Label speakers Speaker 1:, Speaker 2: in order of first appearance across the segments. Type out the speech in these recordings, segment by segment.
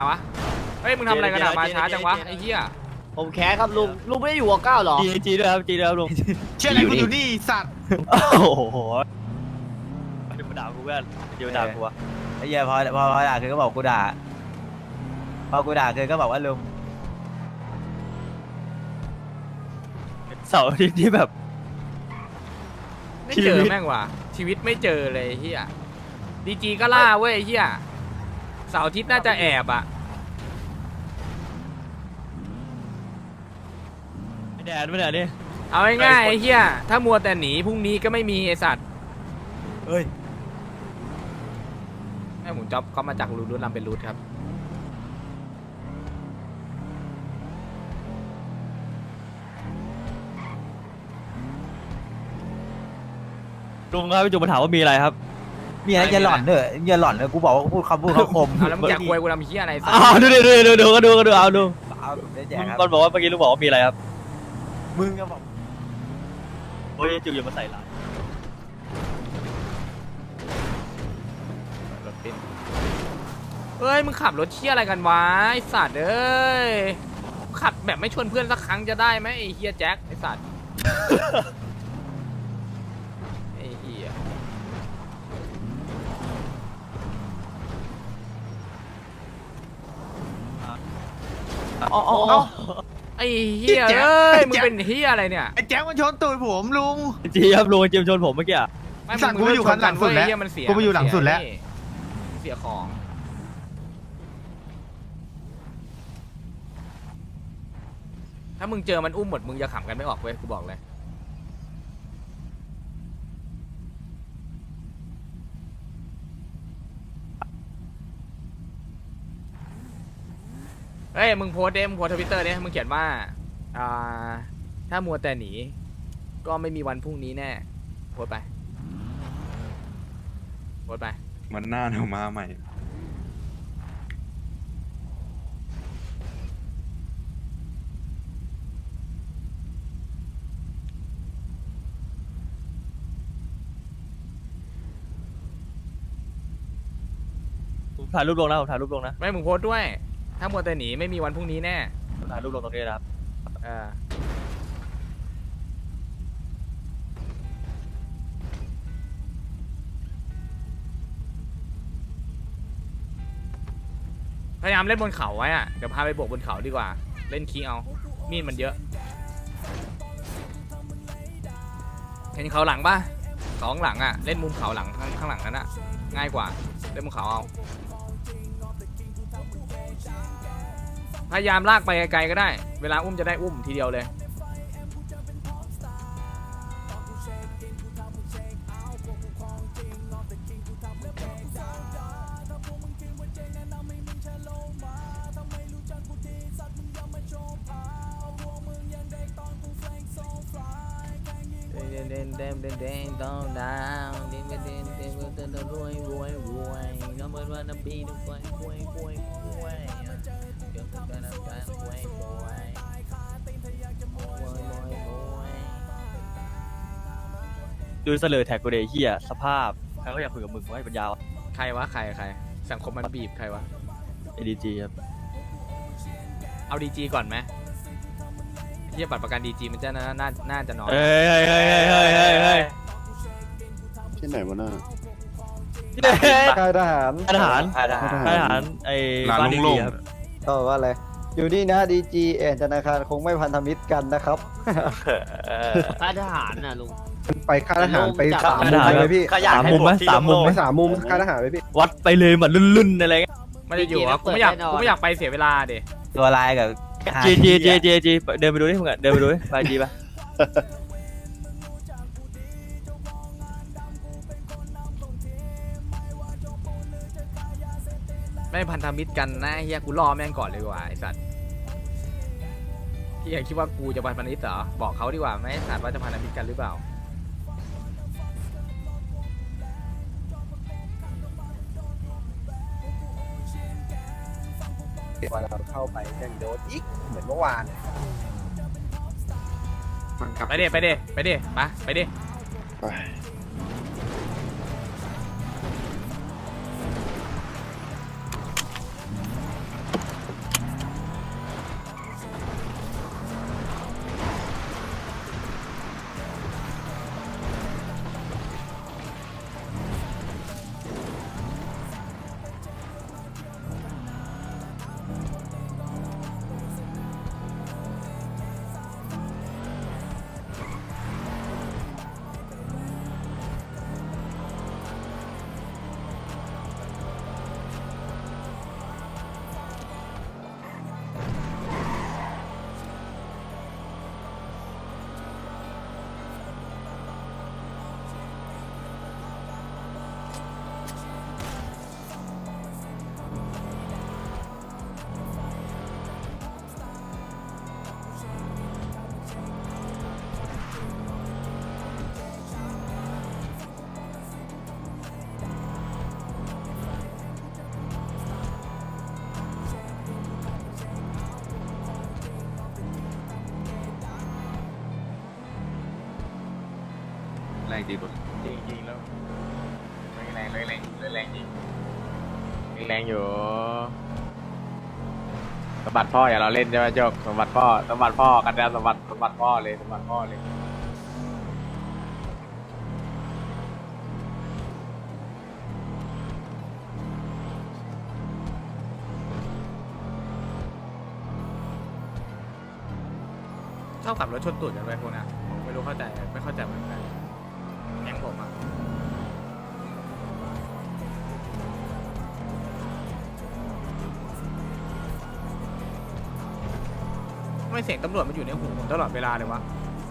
Speaker 1: วะเฮ้ยมึงทำอะไรกันอะมาช้าจังวะไอ้เหี้ย
Speaker 2: ผมแคสครับลุงไม่ได้อยู่กับก้าวหรอ
Speaker 3: จีด้วยครับจีด้วยครับลุง
Speaker 4: เชื่ออะไรกูอยู่นี่สัตว์
Speaker 3: โอ้โหเดี๋ยวมาด่ากูเพื่อนเดี๋ยวมาด่ากูวะไอ้เหี้ยพอด่าคือก็บอกกูด่าพอกูด่าคือก็บอกว่าลุงเสาร์อาทิตย์ที่แบบ
Speaker 1: ไม่เจอแม่งว่ะชีวิตไม่เจอเลยเหี้ยดีจีก็ล่าเว้ยเหี้ยเสาร์อาทิตย์น่าจะแอบอะ
Speaker 3: ไม่แดดไม่แดดดิ
Speaker 1: เอาง่ายๆไอ้เหี้ยถ้ามัวแต่หนีพรุ่งนี้ก็ไม่มีไอสัตว์
Speaker 3: เฮ้ย
Speaker 1: แม่หมูจ๊อบเขามาจากรูทลำเป็นรูทครับ
Speaker 3: ลุงครับพี่จุ๊บมาถามว่ามีอะไรครับมีอะไรอย่าหล่อนเถอะอย่าหล่อนเลยกูบอกว่าพูดคำคม
Speaker 1: แล้วมึงอยากคุยกูทำเหี้ยอะไรสัตว์
Speaker 3: ดูเอาดูมันบอกว่าเมื่อกี้ลุงบอกว่ามีอะไรครับมึงก็บอกโอ้ยจุ๊บอย่ามาใส่ร้าย
Speaker 1: เฮ้ยมึงขับรถเชี่ยอะไรกันวะไอสัตว์เอ้ยขับแบบไม่ชวนเพื่อนสักครั้งจะได้ไหมไอเฮียแจ็คไอสัตว์ไอเฮียไอเฮียเอ้ยมึงเป็นเฮียอะไรเนี่ย
Speaker 4: ไอ้แจ๊คมันชนตูดผมลุง
Speaker 3: จีครับลุงเจมชนผมเมื่อกี้
Speaker 4: สั่งกูไปอยู่คันหลังสุดแล้วกูไปอยู่หลังสุดแล้ว
Speaker 1: เสียของถ้ามึงเจอมันอุ้มหมดมึงจะขำกันไม่ออกเว้ยกูบอกเลยเฮ้ยมึงโพสต์มึงโพสต์ทวิตเตอร์มึงเขียนว่าถ้ามัวแต่หนีก็ไม่มีวันพรุ่งนี้แน่โพสต์ไปโพสต์ไป
Speaker 5: มันหน้าเดี๋ยวมาใหม่
Speaker 3: ถ่ายรูปลงนะผมถ่ายรูปลงนะ
Speaker 1: ไม่มึงโพสต์ด้วยถ้ามัวแต่หนีไม่มีวันพรุ่งนี้แน่
Speaker 3: ถ่ายรูปลงตรงนี้นะครับ
Speaker 1: พยายามเล่นบนเขาไว้อะเดี๋ยวพาไปบวกบนเขาดีกว่าเล่นคิงเอามีดมันเยอะเห็นเขาหลังป่ะสองหลังอะเล่นมุมเขาหลังข้างหลังนั้นอะง่ายกว่าเล่นมุมเขาเอาพยายามลากไปไกลๆก็ได้เวลาอุ้มจะได้อุ้มทีเดียวเลยต้องดาวเด่นเด่นรวยก็เหมือนว่าน้ำปีทุกคนกล้วยเดี๋ยวต้องการน้ำตาลกล้วย
Speaker 3: ดูเสลอแท็กกูเดย์เฮียสภาพใครก็อยากคุยกับมึงว่าให้ปัญญา
Speaker 1: ใครวะใครสังคมมันบีบใครวะ
Speaker 3: ADG ครับ
Speaker 1: เอาดีจีก่อนไหมเทียบบัตรประกันดีจีมันจะน่าจะน้อย
Speaker 5: ที่ไหนวะน่า
Speaker 2: ค่ายทหาร
Speaker 3: ไอ้บ้านดีครับ
Speaker 2: ก็ว่าอะไรอยู่นี่นะดีจีธนาคารคงไม่พันธมิตรกันนะครับ
Speaker 6: ค่ายทหารน่ะลุง
Speaker 2: ไปค่ายทหารไป3 มุมเลยพี่
Speaker 3: 3 มุมไหม3 มุม
Speaker 2: ไม่3 มุมค่ายทหารไปพี่
Speaker 3: วัดไปเลยเหมือนลุ่นๆอะไร
Speaker 1: ไม่ได้อยู่กูไม่อยากไปเสียเวลาเด็
Speaker 3: ตัวลายกับจีเดินไปดูดิมึงเดินไปดูดิไปจีปะ
Speaker 1: ไม่พันธมิตรกันนะเฮียกูรอแม่งก่อนเลยว่ะไอสัตว์เฮียคิดว่ากูจะพันธมิตรเหรอบอกเขาดีกว่าไหมสัตว์ว่าจะพันธมิตรกันหรือเปล่า
Speaker 2: วันเราเข้าไปยังโดนอีกเหมือนเมื่อวาน
Speaker 1: ไปดิไป
Speaker 5: แรงดีรถ
Speaker 6: จริงๆแล้วแรงจริงแรงอยู่สมบัติพ่ออย่าเราเล่นใช่ไหมโจกสมบัติพ่อกันแล้วสมบัติพ่อเลยสมบัติพ่อเลย
Speaker 1: ชอบขับรถชนตูดกันไปพวกนี้ผมไม่รู้เข้าใจไม่เข้าใจเหมือนกันแก๊งผมอะทำไม่เสียงตำรวจมันอยู่ในหูผมตลอดเวลาเลยวะ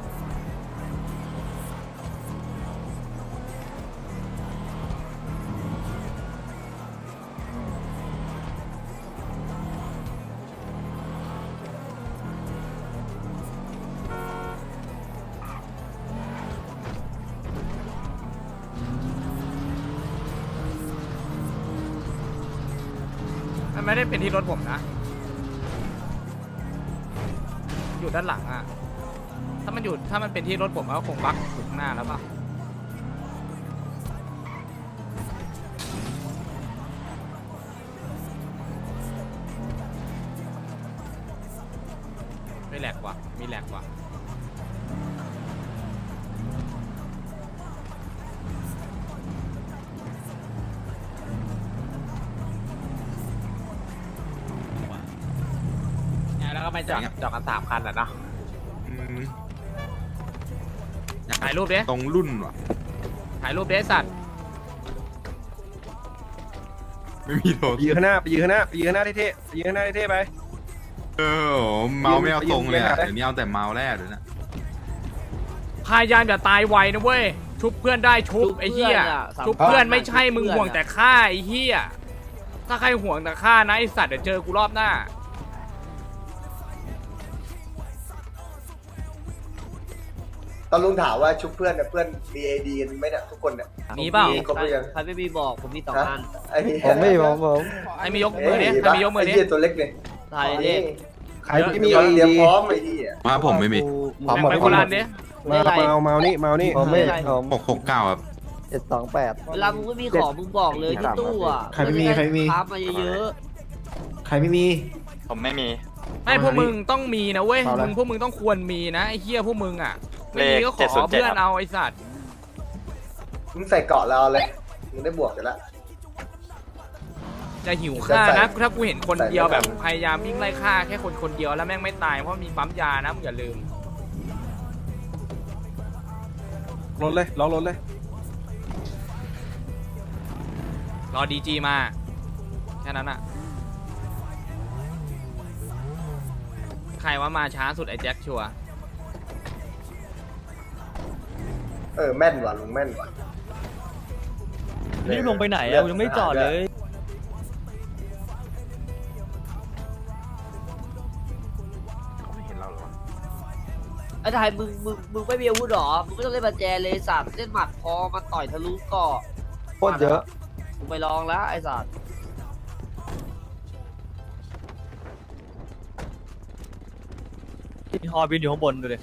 Speaker 1: มันไม่ได้เป็นที่รถผมนะอยู่ด้านหลังอะถ้ามันเป็นที่รถผมก็คงบักอยู่ข้างหน้าแล้วป่ะไม่แหลกว่ะมีแหลกว่ะแล้วก็ไปจอดกัน3 คันอ่ะเนาะ ถ่ายรูปดิ
Speaker 5: ตรงรุ่นว่ะ
Speaker 1: ถ่ายรูปดิสัตว์
Speaker 5: ไม่มีโทษ
Speaker 7: ไปยืนข้างหน้าไปยืนข้างหน้าไปยืนข้างหน้าเท่ๆไปยืนข้างหน้าเท่ๆไป
Speaker 5: เมาไม่เอาตรงเลยอะเดี๋ยวนี้เอาแต่เมาแรกเลยนะ
Speaker 1: พยายามอย่าตายไวนะเว้ย ชุบเพื่อนได้ชุบไอ้เหี้ย ชุบเพื่อนไม่ใช่มึงห่วงแต่ฆ่าไอ้เหี้ย ถ้าใครห่วงแต่ฆ่านะไอ้สัตว์เดี๋ยวเจอกูรอบหน้า
Speaker 8: ตอนลุงถามว่าชุบเพื่อนเนี่ยเพื่อน BAD กันไหมเนี่ยทุกคนเนี่ย
Speaker 1: มีเปล่า
Speaker 8: ครบหรือยัง
Speaker 6: ใครไม่มีบอกผมมี2 อัน
Speaker 8: ไอ้เหี้ย
Speaker 2: ผมไม่ผม
Speaker 1: ใครมียกมือดิใครมียกมือดิ
Speaker 8: ไอ้เหี้ยตัวเล็กเนี่ย
Speaker 6: ถ่ายดิ
Speaker 7: ใครที่มี
Speaker 8: เตรียมพร้อมไอ้ที่
Speaker 5: มาผมไม่มี
Speaker 2: พร้อมหมด
Speaker 1: ไปโบราณดิ
Speaker 7: เมานี่เมานี่
Speaker 2: ผมไม่ผม
Speaker 5: 669ครับ
Speaker 2: 728
Speaker 6: เวลามึงไม่มีของมึงบอกเลยที่ตู้อ่ะ
Speaker 7: ใครไม่มีใครไม่มี
Speaker 6: พับมาเยอะ
Speaker 7: ใครไม่มี
Speaker 3: ผมไม่มี
Speaker 1: ไม่พวกมึงต้องมีนะเว้ย
Speaker 7: เอาละ
Speaker 1: พวกมึงต้องควรมีนะไอ้เหี้ยพวกมึงอ่ะ ไม่มีก็ขอเพื่อนเอาไอ้สัตว์
Speaker 8: มึงใส่เกาะเราเลยมึงได้บวกกันละ
Speaker 1: จะหิวฆ่านะถ้ากูเห็นคนเดียวแบบพยายามวิ่งไล่ฆ่าแค่คนเดียวแล้วแม่งไม่ตายเพราะมีปั๊มยานะมึงอย่าลืม
Speaker 7: รถเลยล็อกรถเลย
Speaker 1: รอดีจีมาแค่นั้นอะใครว่ามาช้าสุดไอ้แจ็คชัวร์
Speaker 8: แม่นว่ะลุงแม่นว่ะ
Speaker 3: รีบลงไปไหนอะยังไม่จอดเลย
Speaker 6: ๆไอ้ถ่ายมึงไม่มีอาวุธหรอมึงไม่ต้องเล่นบัญแจเลยสัตว์เล่นหมัดพอมันต่อยทะลุเกาะ
Speaker 2: โคตรเยอะ
Speaker 6: มึงไปลองแล้วไอ้สัตว์
Speaker 3: ฮอบินอยู่ข้างบนดูดิ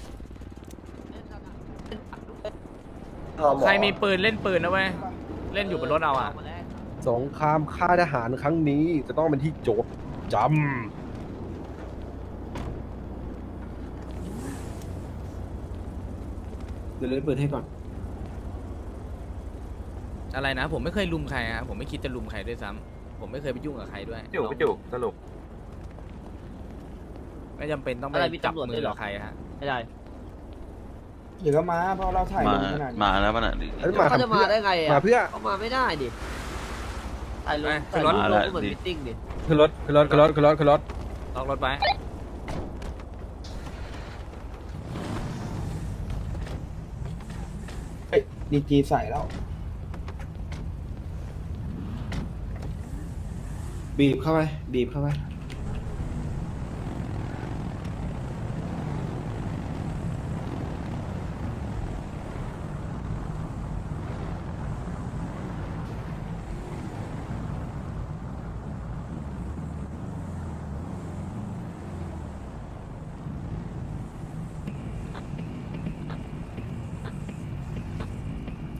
Speaker 1: ใครมีปืนเล่นปืนนะเว้ยเล่นอยู่บนรถเอาอะ
Speaker 7: สงครามค่ายทหารครั้งนี้จะต้องเป็นที่โจทย์จำเดี๋ยวเล่นปืนให้ก่อน
Speaker 1: อะไรนะผมไม่เคยลุมใครฮะผมไม่คิดจะลุมใครด้วยซ้ำผมไม่เคยไปยุ่งกับใครด้วย
Speaker 3: จุกสรุป
Speaker 1: ไม่จำเป็นต้องไปจับมือกับใครฮะ
Speaker 6: ไม่ได้
Speaker 2: เดี๋ยวก็มาเพราะเราถ่ายลงขนาดนี้
Speaker 5: มาแล้วป่ะน่ะ
Speaker 7: เอ้ยมา
Speaker 6: เขาจะมาได้ไงอ่ะ
Speaker 7: มาเพื่อ
Speaker 6: เขามาไม่ได้ดิถ่ายลง
Speaker 1: ขึ้
Speaker 6: ถ่าย
Speaker 1: น
Speaker 6: ล
Speaker 1: รถ
Speaker 6: งก็เหมือนมิทติ้งดิ
Speaker 7: ขึ้นรถขึ้นรถขึ้นรถขึ้นรถขึ้นรถ
Speaker 1: ล็อกรถไป
Speaker 2: ดีจีใส่แล้ว
Speaker 7: บีบเข้าไปบีบเข้าไป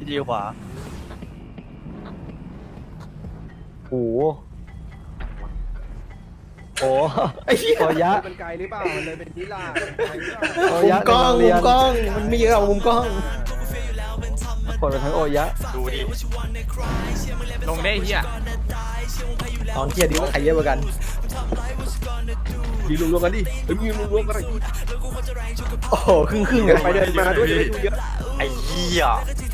Speaker 3: ดีขวา
Speaker 2: โอ้โหโอ้โอยะ
Speaker 7: มันไกลหรือเปล่ามันเลยเป็นนิลา
Speaker 2: โอยะ
Speaker 7: มุมกล้อง
Speaker 2: ในโรเรียน
Speaker 7: มันมีเยอะมุมกล้อง
Speaker 2: กดไปทั้งโอยะ
Speaker 3: ดูดิ
Speaker 1: ลงได้เฮีย
Speaker 7: ตอนเที่ยดีว่าใครเยอะกว่ากันดีรวมๆกันดิมีรวมๆกันดิโอ้โหครึ่งๆกันไปเดินมาด้วยจะได้ดูเยอะ
Speaker 3: ไอ้เหี้ย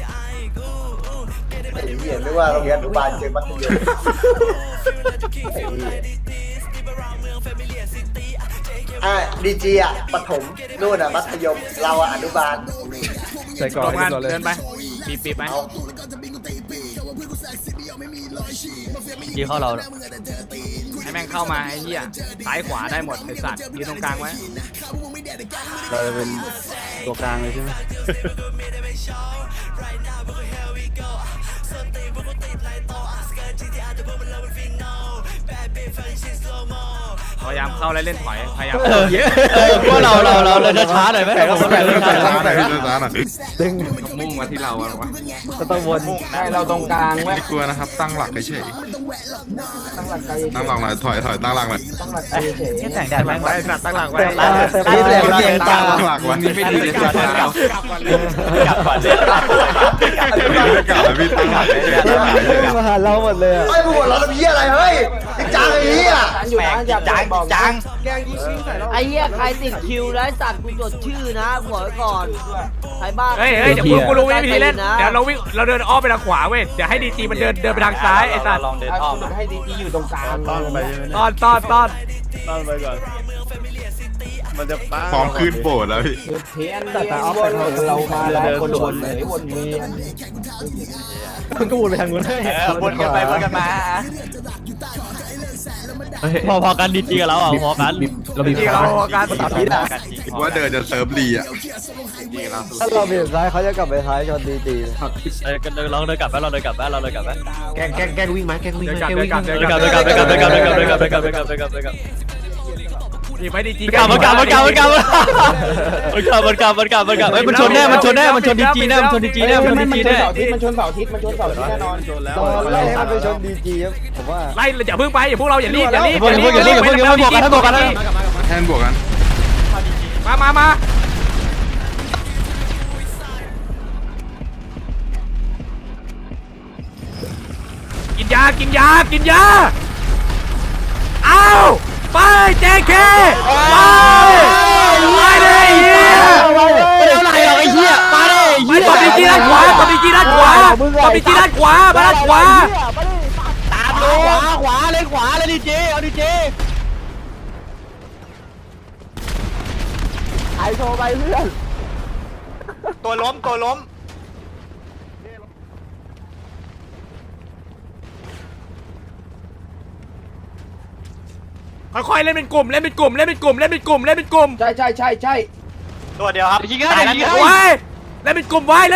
Speaker 8: ไอ้เหี้ยไม่ว่าโรงเรียนอนุบาลเจอมัธยมไอ้เหี้ยดีจีอ่ะปฐมนู่นอ่ะมัธยมเราอ่ะอนุบาล
Speaker 7: ใส่ก่อน
Speaker 1: ลงกัน
Speaker 7: ก่อนเลย
Speaker 1: เดินไปปีบไหม
Speaker 8: เอา
Speaker 3: ดีเข้าเรา
Speaker 1: ให้แม่งเข้ามาไอ้เหี้ยซ้ายขวาได้หมดไอ้สัตว์ยืนตรงกลางไว้
Speaker 2: เราจะเป็นตัวกลางเลยใช่ไหม
Speaker 1: พยายามเข้าแล้วเล่นถอยพยายาม
Speaker 3: พวกเราจะช้าหน่อยไหม
Speaker 5: ช้าหน่อยพี่ช้าหน่อย
Speaker 2: ดึง
Speaker 5: มุ่งมาที่เราอะหรอวะ
Speaker 2: ก็ต้องวน
Speaker 7: ให้เราตรงกลางไว้
Speaker 5: ไม่กลัวนะครับตั้งหลักเฉย
Speaker 7: ตั้งหลักใจ
Speaker 5: ตั้งหลักหน่อยถอยตั้งหลักหน่อย
Speaker 7: ตั้งหลักใจเฉย
Speaker 3: แสงแดดแม่ง
Speaker 1: ไว้สัตว์ตั้งหลักไว้
Speaker 2: เต็มตาเต็มตาเต็มตา
Speaker 5: ตั้งหลักไว้ไม่ดีเลยกลับก่อนเลย
Speaker 3: กลับก่อนเลย
Speaker 5: กลับแล้วพี่ตั้งหลัก
Speaker 2: มาหาเราหมดเลยอะ
Speaker 8: ไอ้พวกเราทำเหี้ยอะไรเฮ้ยจริงจังไอ้เหี้ย
Speaker 7: อยู่นะอย่า
Speaker 3: จัง
Speaker 7: แกล้งยิงใส่เรา
Speaker 6: ไอ้เหี้ยใครติดคิวแล้วไอ้สัตว์กูจดชื่อนะบอกไว้ก่อนใครบ้า
Speaker 1: เฮ้ยเดี๋ยวกูรู้วิธีเล่นเดี๋ยวเราเดินอ้อมไปทางขวาเว้ยเดี๋ยวให้ดีจีมันเดินไปทางซ้ายไอ้สัตว์
Speaker 3: ลองเดินอ้อม
Speaker 7: ให้ดีจีอยู่ตรงกลางต้อนไป
Speaker 1: ต้อน
Speaker 7: ไปก่อนมันจะป้า
Speaker 5: พร้อมขึ้นโบสถ์แล้วพี่
Speaker 7: เทียนแต่เอาไปเรามาแล้วคนวนเลยวนเวียนมันก็วนไปทางนู้นเลย
Speaker 3: วนกันไปวนกันมาพอกันดีจีกับเราอ่ะพอกัน
Speaker 7: เราบีบ
Speaker 1: ที่เราการ
Speaker 7: ตัดพิษอ่ะ
Speaker 5: ว่าเดินจะเซิร์ฟลีอ่ะดีแล้ว
Speaker 2: ถ้าเราเบี่ยงซ้ายเขาจะกลับไปท้ายชนดี
Speaker 3: ลองเดินกลับเราเดินกลับไหม
Speaker 7: แกงวิ่งไหมแกงวิ่งไหม
Speaker 1: เดินกลับ นี่ไม่ดีจี
Speaker 3: มันกลับมันชนแน่มันชนดีจีแน่มันชนดีจีแน่
Speaker 7: มันชนเสาร์อาทิตย์แน่นอน
Speaker 2: ๆตอนไล่ให้มันไปชนดีจีครับผมว่า
Speaker 1: ไล่อย่าเพิ่งไปอย่าพวกเราอย่ารีบ
Speaker 3: บอกกัน
Speaker 5: แทนบวกกัน
Speaker 1: มากินยาเอาไปเจเคไปเลยเฮีย
Speaker 3: ไม่ได้อะไรหรอกไอ้เหี้ยมาเลย
Speaker 1: ไปตบดีจีด้านขวามาด้านขวา
Speaker 3: ตามเลยขวาเลยดีเจเอาดีเจ
Speaker 2: ไอโทรไปเพื่อน
Speaker 3: ตัวล้ม
Speaker 1: ค่อยๆเล่นเป็นกลุ่ม
Speaker 7: ใช่
Speaker 3: ตัวเดียวครับยิงได้
Speaker 1: ไว้เล่นเป็นกลุ่มไว้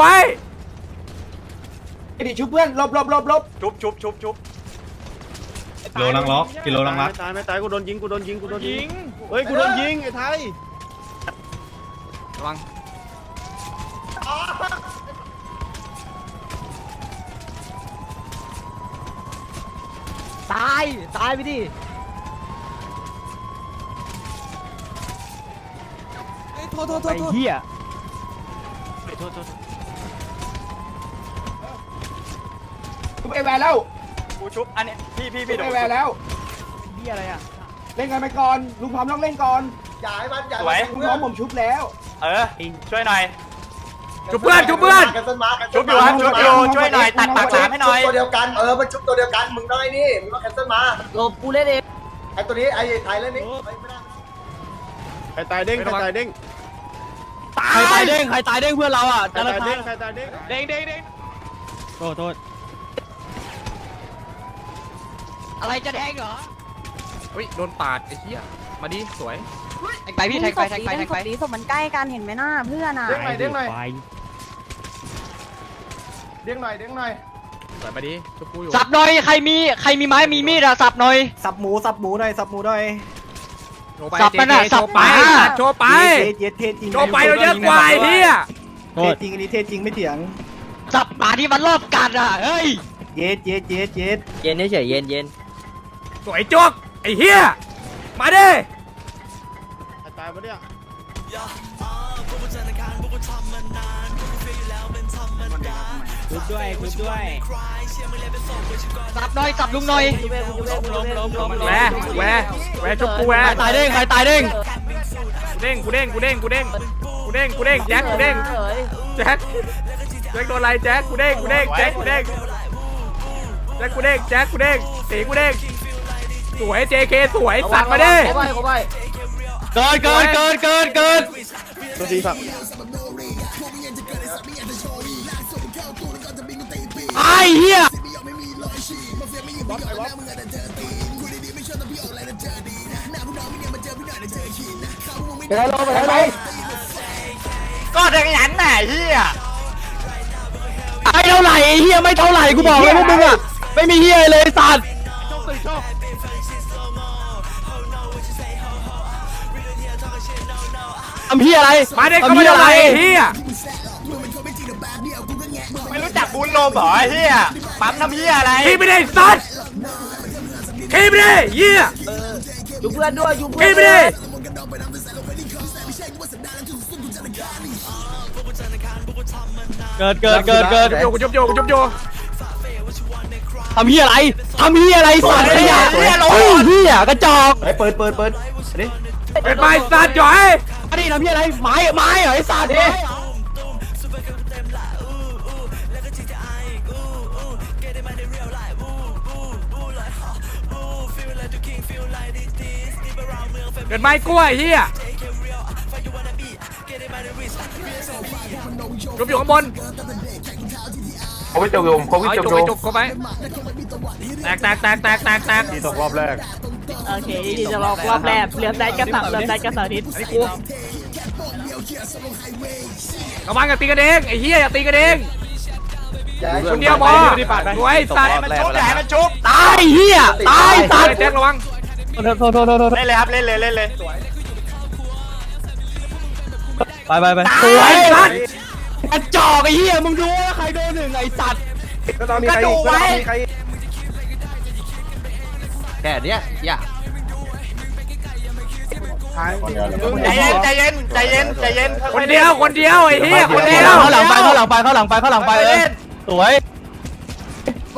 Speaker 7: ดิชุบเพื่อนลบ
Speaker 3: ชุบ
Speaker 4: โลลังล็อกกิโลลังล็อก
Speaker 7: ไม่ตายกูโดนยิงเฮ้ยกูโดนยิงไอ้ไทย
Speaker 1: ระวัง
Speaker 2: ตายไปดิ
Speaker 3: ไอ้เหี้ย
Speaker 7: ชุบไอแวร์แล้ว
Speaker 3: กูชุบอันนี้พี่
Speaker 7: ชุบไอแวร์แล้ว
Speaker 3: เหี้ยอะไรอ่ะ
Speaker 7: เล่นกันไปก่อนลุงพร้อมต้องเล่นก่อน
Speaker 8: อย่าให้มันอย่า
Speaker 7: ลุงพร้อมผมชุบแล้ว
Speaker 3: ช่วยหน่อย
Speaker 1: ชุบเพื่อน
Speaker 8: กันต้นมา
Speaker 3: ชุบอยู่ช่วยหน่อยตัดปากหลามให้หน่อย
Speaker 8: ตัวเดียวกันมันชุบตัวเดียวกันมึงต้องไอ้นี่มึงต้องแคนเซิลมา
Speaker 6: หลบกูเล่นเอง
Speaker 8: ไอ้ตัวนี้ไอ้ไทยเล่นนี่ไม่ได้
Speaker 7: ใครตายเด้ง
Speaker 3: ใครตายเด้งเพื่อนเราอ่ะ
Speaker 7: ใครตายเด้ง
Speaker 3: เด้งโทษอะไรจะแทงเหรอ
Speaker 1: เฮ้ยโดนปาดไอ้เหี้ยมาดิสวย
Speaker 3: แทงไปพี่แทงไป
Speaker 9: ศพมันใกล้กันเห็นไหมหน้าเพื่อนอ่ะ
Speaker 7: เด้งหน่อย
Speaker 1: สวยมาดิชุบกูอยู่
Speaker 3: สับหน่อยใครมีไม้มีมีดอะสับหน่อย
Speaker 2: สับหมูหน่อย
Speaker 3: สับมันอะสับ
Speaker 1: ไปโชว์ไป
Speaker 2: เย็ดเทจริง
Speaker 1: โชว์ไปเราเยอะกว่าไอ้เหี้ย
Speaker 2: เทจริงอันนี้เทจริงไม่เถียง
Speaker 3: จับหมาที่มันรอบกัดอ่ะเฮ้ยเย็ดเย็ดเย็ดเย็ด
Speaker 6: เย็นเฉยเย็นเย็น
Speaker 1: สวยจวกไอ้เฮียมาดิ
Speaker 7: ตายปะเนี่ย
Speaker 3: คุบด้วยคุบด้วยจับหน่อยจับลุงหน่อย
Speaker 1: แหวชุบกูแหว
Speaker 3: ใครตายเด้งใครตายเด้ง
Speaker 1: กูเด้งแจ็คกูเด้งแจ็คโดนอะไรแจ็คกูเด้งแจ็คกูเด้งสีกูเด้งสวย JK สวยสัตว์มาดิ
Speaker 3: เกิน
Speaker 7: ตัวทีสับ
Speaker 3: ไอ้เหี้ย
Speaker 2: ไปแล้วลงไปแล้วไป
Speaker 3: ก็เด็กยันไหนเหี้ยไม่เท่าไหร่ไอ้เหี้ยไม่เท่าไหร่กูบอกเลยพวกมึงอ่ะไม่มีเหี้ยเลยสัตว์ทำเหี้ยอะไร
Speaker 1: มาดิก็ไม่ได้อะไรเฮีย
Speaker 3: ไม่รู้จักบุญโลมเหรอไอ้เหี้ยปั๊มทำเหี้ยอะไร
Speaker 1: ขี้ไม่ได้สัตว์ขี้ไม่ได้เฮีย
Speaker 6: อยู่เพื่อนด้วยอยู่
Speaker 1: ขี้
Speaker 6: เพื่อน
Speaker 1: ไม่ได้
Speaker 3: เกิด
Speaker 1: จุบโย
Speaker 3: ทำเหี้ยอะไรสัตว์ขยะเหี้ยกระจอก
Speaker 7: เปิดนี่
Speaker 1: เป็นไม้สัตว์จ่อย
Speaker 3: อันนี้ทำเหี้ยอะไรไม้เหรอไอ้สัตว์เนี่ย
Speaker 1: เป็นไม้กล้วยเฮียจุบอยู่ข้างบน
Speaker 8: เขาไม่จบลมเขาไม่
Speaker 1: เอา
Speaker 8: จบ
Speaker 1: จุก
Speaker 8: ล
Speaker 1: ไป
Speaker 8: ม
Speaker 1: จุกเข้าไปแตก
Speaker 7: ทีตกรอบแรก
Speaker 9: โอเคที่จะรอบรอบแรกเริ่มได้กระสับเริ่มได้กระสับนิด
Speaker 1: อันนี้กูกำลังอย่าตีกันเองไอ้เฮียอย่าตีกันเองคนเดียวพอรวยสัตว์
Speaker 3: มันชุบตายเหี้ยตายสัตว์
Speaker 1: แจ็คระวัง
Speaker 3: โทษเล่นเลยครับเล่นเลยไปสวยสัตว์กระจอกไอ้เหี้ยมึงดูว่าใครโดนหนึ่งไอ้สัตว์
Speaker 7: ก็ต้องมีใครอีก
Speaker 3: แค่เนี้ยอย่า
Speaker 7: ใจเย็น
Speaker 1: คนเดียวไอ้เฮียคนเดียว
Speaker 3: เข้าหลังไปสวยโท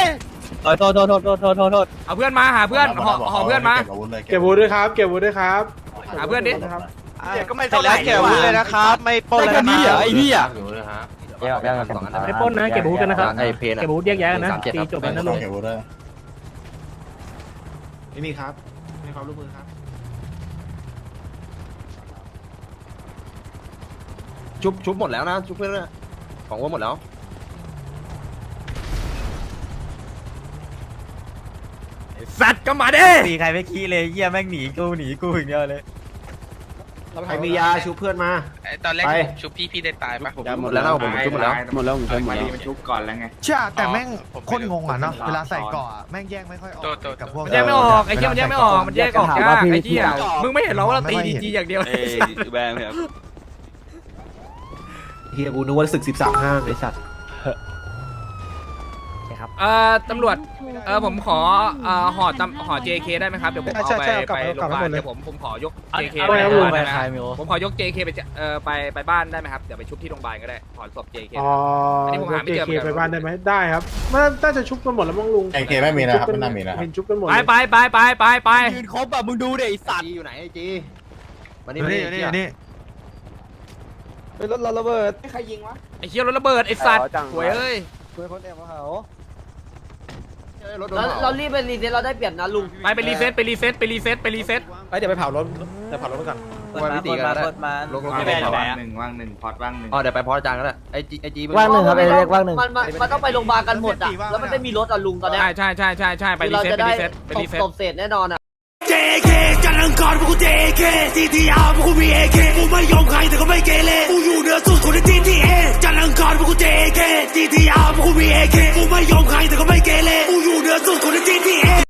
Speaker 3: ษ
Speaker 1: เอาเพื่อนมาหาเพื่อนห่อเพื่อนมา
Speaker 7: เก็บวูดด้วยครับ
Speaker 1: หาเพื่อนดิ
Speaker 3: ก็ไม่เท่าไหร่แกวุ้นเลยนะครับไม่ปล้นแล้วนะไอ้เหี้ย
Speaker 7: ไม่ปล้นนะเก็บวูดกันนะครับเก็บวูดแยกย้ายกันนะตีจบแล้วนะลุงไม่มีครับไม่ความร่วมมือครับชุบหมดแล้วนะชุบเพื่อนนะของว่าหมดแล้ว
Speaker 1: สัตว์ก็มาดิ
Speaker 3: ตีใครไม่ขี้เลยเหี้ยแม่งหนีกูอย่างเดียวเลย
Speaker 7: ใครมียาชุบเพื่อนมา
Speaker 10: ตอนแรกชุบพี่ได้ตายปะ
Speaker 7: หมดแล้วนะผมชุบหมดแล้วผมใช้หมดแล้ว
Speaker 5: ชุบก่อนแล้วไง
Speaker 10: ใช่แต่แม่งโคตรงงอ่ะเนาะเวลาใส่เกาะแม่งแยกไม่ค่อยออกกับพวก
Speaker 1: มันแยกไม่ออกไอ้เหี้ยมันแยกไม่ออกมันแยกออกยากไอ้เหี้ยมึงไม่เห็นหรอว่าเราตีดีอย่างเดียว
Speaker 3: แบงครับ
Speaker 7: เฮียกูนึกว่าศึก13-5ไอ้สัตว์
Speaker 1: ตำรวจผมขอห่อ JK ได้ไหมครับเดี๋ยวผมเอาไปโรงพยาบาลเดี๋ยวผมขอยก JK ไปผมขอยก JK ไปบ้านได้ไหมครับเดี๋ยวไปชุบที่โรงพยาบาลก็ได้ขอศพ JK อันนี้ผมหาไม่เจอไปบ้านได้ไหมได้ครับน่าจะชุบกันหมดแล้วมั้งลุง
Speaker 5: JK ไม่มีนะครับไม่น่ามีนะ
Speaker 1: เห็นชุบกันหมดไป
Speaker 3: ยืนครบอ่ะมึงดูดิไอ้สัตว์
Speaker 7: อยู่ไหนไอ้จีมานี่
Speaker 10: นี่
Speaker 2: ไปรถเราระเบิด
Speaker 1: ไอ้เหี้ยรถระเบิดไอ้สัตว์สวยเอ้ย
Speaker 2: ช่วยคนแอบมาเผา
Speaker 6: เรารีบไปรีเซ็ตเราได้เปรียบนะลุง
Speaker 1: ไปรีเซ็ต
Speaker 7: เดี๋ยวไปเผารถไปก่อน
Speaker 3: มาตีกันมาลง
Speaker 5: ว่างหนึ่งพอดว่างหนึ่ง
Speaker 7: อ๋อเดี๋ยวไปพอจานก็ได้ไอจี
Speaker 9: ว่างหนึ่งครับไอ้เล็กว่างหนึ่ง
Speaker 6: มันต้องไปโรงพยาบาลกันหมดอ่ะแล้วมันไม่มีรถอ่ะลุงตอนเนี้ย
Speaker 1: ใช่ไปรี
Speaker 6: เรา
Speaker 1: เซ็ต
Speaker 6: จะได้
Speaker 1: ไปรีเซ็ต
Speaker 6: ตบเศษแน่นอนอ่ะ
Speaker 3: JK จันทร์อังคารพวกกู JK CTR พวกกู BAK กูไม่ยอมใครแต่ก็ไม่เกเรกูอยู่เหนือสุดคนใน GTA จันทร์อังคารพวกกู JK CTR พวกกู BAK กูไม่ยอมใครแต่ก็ไม่เกเรกูอยู่เหนือสุดคนใน GTA